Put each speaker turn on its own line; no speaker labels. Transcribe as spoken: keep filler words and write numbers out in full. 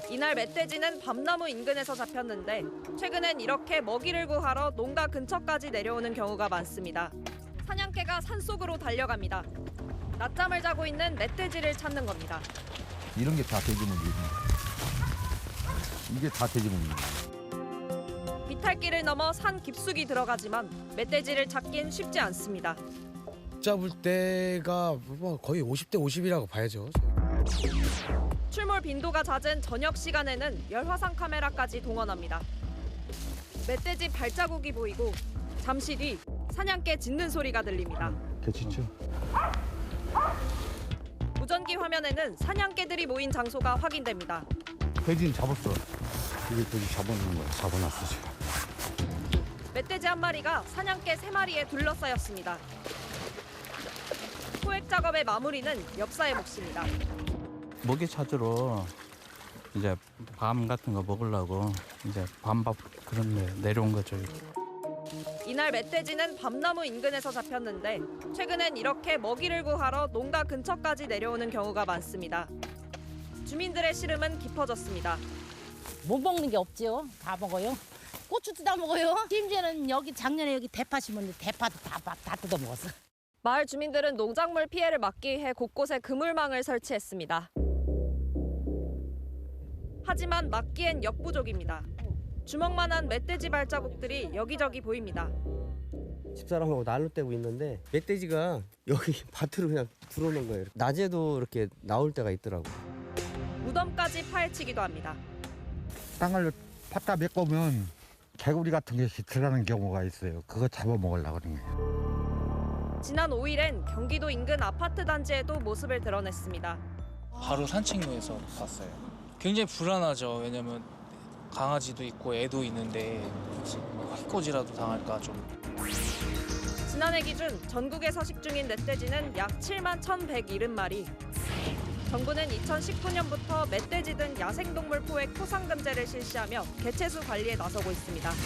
이날 멧돼지는 밤나무 인근에서 잡혔는데 최근엔 이렇게 먹이를 구하러 농가 근처까지 내려오는 경우가 많습니다. 사냥개가 산속으로 달려갑니다. 낮잠을 자고 있는 멧돼지를 찾는 겁니다.
이런 게 다 돼지고기입니다. 이게 다 돼지고기입니다.
비탈길을 넘어 산 깊숙이 들어가지만 멧돼지를 찾긴 쉽지 않습니다.
잡을 때가 뭐 거의 오십 대 오십이라고 봐야죠.
출몰 빈도가 잦은 저녁 시간에는 열화상 카메라까지 동원합니다. 멧돼지 발자국이 보이고 잠시 뒤 사냥개 짖는 소리가 들립니다.
개짖죠?
무전기 화면에는 사냥개들이 모인 장소가 확인됩니다.
돼지는 잡았어. 이게 돼지 잡아놓은 거야. 잡아놨어 지금.
멧돼지 한 마리가 사냥개 세 마리에 둘러싸였습니다. 포획 작업의 마무리는 역사의 몫입니다.
먹이 찾으러 이제 밤 같은 거 먹으려고 이제 밤밥 그런 데 내려온 거죠.
이날 멧돼지는 밤나무 인근에서 잡혔는데 최근엔 이렇게 먹이를 구하러 농가 근처까지 내려오는 경우가 많습니다. 주민들의 시름은 깊어졌습니다.
못 먹는 게 없지요. 다 먹어요. 고추도 다 먹어요. 심지어는 여기 작년에 여기 대파 심었는데 대파도 다, 다 뜯어 먹었어.
마을 주민들은 농작물 피해를 막기 위해 곳곳에 그물망을 설치했습니다. 하지만 막기엔 역부족입니다. 주먹만한 멧돼지 발자국들이 여기저기 보입니다.
집사람하고 난로 떼고 있는데 멧돼지가 여기 밭으로 그냥 들어오는 거예요. 낮에도 이렇게 나올 때가 있더라고.
무덤까지 파헤치기도 합니다.
땅을 팠다 메꿔면 개구리 같은 게 들어가는 경우가 있어요. 그거 잡아먹으려고 그러는 거예요.
지난 오 일엔 경기도 인근 아파트 단지에도 모습을 드러냈습니다.
바로 산책로에서 봤어요. 굉장히 불안하죠. 왜냐면 강아지도 있고 애도 있는데 해코지라도 당할까 좀.
지난해 기준 전국에 서식 중인 멧돼지는 약 칠만 천백칠십 마리. 정부는 이천십구 년부터 멧돼지 등 야생동물 포획 토상금제를 실시하며 개체수 관리에 나서고 있습니다.